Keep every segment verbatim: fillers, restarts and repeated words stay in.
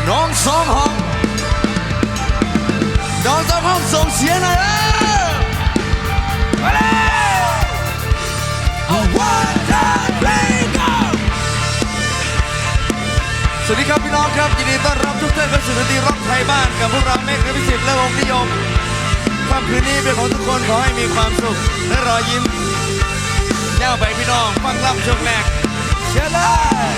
น้องสองห้องน้องสองห้องส่งเสียงหน่อยเออมาเลยเอาวันจันทร์เพลงgoสวัสดีครับพี่น้องครับยินดีต้อนรับทุกท่านเข้าสู่ดนตรีร็อกไทยบ้านกับพวกเราเมฆพิสิทธิ์และวงนิยมค่ำคืนนี้เป็นของทุกคนขอให้มีความสุขและรอยยิ้มแนวไปพี่น้องฟังลำช่วงแรกเชิญเลย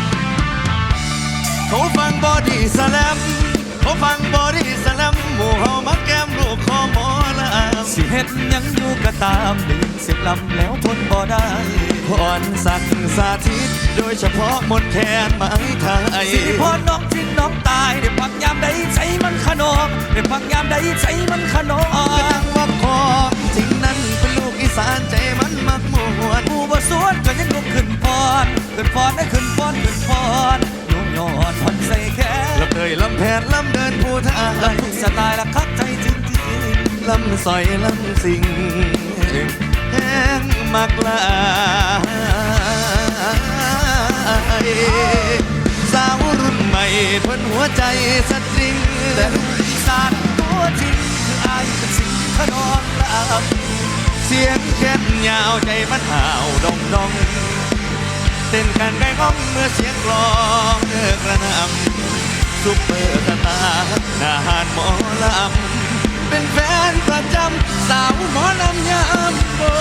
เขาฟังบอดี้สแลมเขาฟังบอดี้สแลมหมู่เฮามักแก้มลูกคอหมอลำสิเฮ็ดยังอยู่ก็ตามดึงสิบลำแล้วทนบ่ได้พรสักสาธิตโดยเฉพาะมนแคนไม้ไทยสิพรน้องทิ้งน้องตายได้พักยามใดใจมันขนองได้พักยามใดใจมันขนองก็ตั้งว่าของจริงนั้นเป็นลูกอีสานใจมันมักมวนผู้บ่สวนก็ยังลุกขึ้นพรขึ้นพรได้ขึ้นพรขึ้นพรยุ่งยอดผ่อนใส่แค่ลำเตยลำแผนลำเดินผู้ทายลำทุกสไตล์ละคักใจจริงจริงลำสอยลำสิงแห้งมักลายสาวรุ่นใหม่เพิ่นหัวใจสตริงแต่ลูกอีสานตัวจริงคืออายเป็นสิ่งขนองลำเสียงแค้นยาวใจมันห่าวดองดองเต้นกันไก่ง้องเมื่อเสียงกลองเลิกระนำซุปเปอร์สตาร์นาหารหมอลำเป็นแฟนประจำสาวหมอลำยามโบ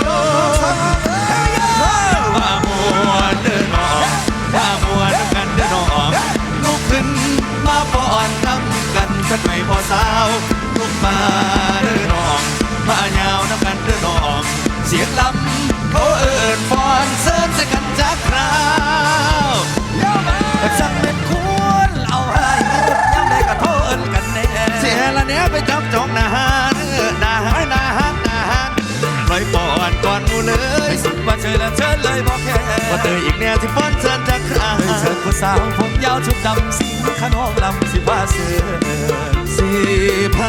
ว่ามัวเดินออกว่ามัวน้ำกันเดินออกลุกขึ้นมาป้อนน้ำกันสักไม่พอสาวลุกมาเดินออกมาเงาน้ำกันเดินออกเสียงลำเขาเอิญฟอนเสริมใส่กันจากคราวจังเป็นคุณเอาให้ยามใดก็โทษกันแน่เสียละเนี้ยไปจับจองนาฮานนาฮานนาฮานนาฮานปล่อยปอนก่อนมูเลยสุดว่าเชิญละเชิญเลยบอกแค่ว่าเตยอีกแนวที่ฟ้อนเชิญจากคราวเชิญผู้สาวผมยาวชุดดำสีขนมลำสิผ้าเสือสีผ้า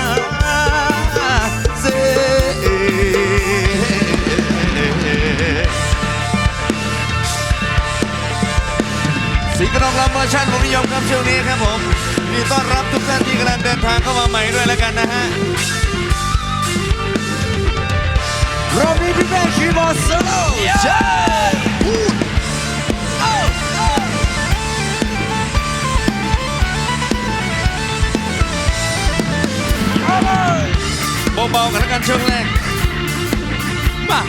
เสือสีกระนองลำเวอร์ชันผมนิยมครับช่วงนี้ครับผมมีต้อนรับทุกท่านที่กำลังเดินทางเข้ามาใหม่ด้วยแล้วกันนะฮะรอบนี้พี่แม่คีย์บอร์ดโซโล่ใช่เบาๆกันแล้วกันช่วงแรกมา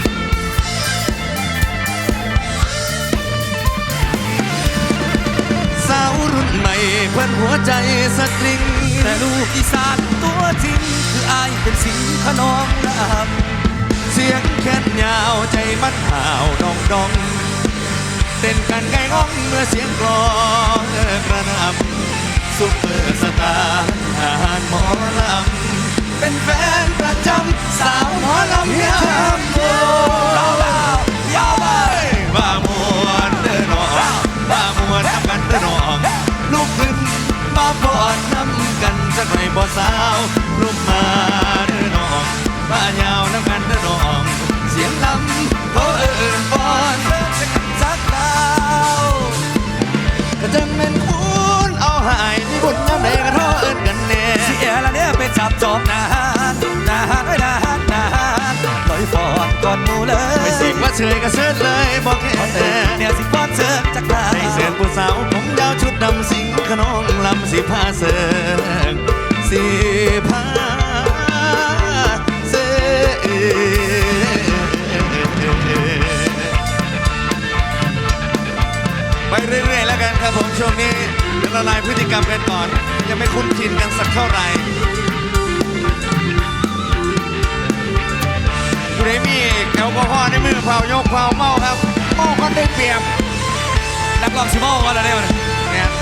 สาวรุ่นใหม่เพิ่นหัวใจสตริงแต่ลูกอีสานตัวจริงคืออายเป็นสิ่งขนองลำเสียงแค้นยาวใจมันห่าวดองดองเต้นกันไก่ง้องเมื่อเสียงกลองกระนำซุปเปอร์สตาร์อาหารหมอลำเป็นแฟนประจำสาวหมอลำยามโบยาวเบายาวเบาว่ามวนเดินออกว่ามวนทำกันเดินออกลุกขึ้นมาปอนน้ำกันสักหน่อยบ่สาวลุกมาเดินออกบ้ายาวน้ำกันเดินออกเสียงลำเขาเอิญปอนเดินสักกันสักดาวก็จังเป็นคุณเอาหายที่บุญน้ำใดก็ท้อเอิญกันแน่เสียละเนี่ยเป็นจับจอบนาฮานนาฮานไว้นาฮานนาฮานลอยฟอนก่อนมูเลยไม่สิว่าเฉยก็เชิดเลยบอกแค่เนี่ยสิฟอนเชิญจากลาในเสือผู้สาวผมยาวชุดดำสิงขนองลำสีผ้าเสือสีผ้าเสือไปเรื่อยๆแล้วกันครับผมช่วงนี้เดี๋ยวละลายพฤติกรรมกันก่อนยังไม่คุ้นชินกันสักเท่าไหร่คุณเอมี่แอลกอฮอล์ในมือเผายกเผาเมาครับเมาคนได้เปรียบนักร้องชิโม่ก็แล้วเนี่ยเนี่ย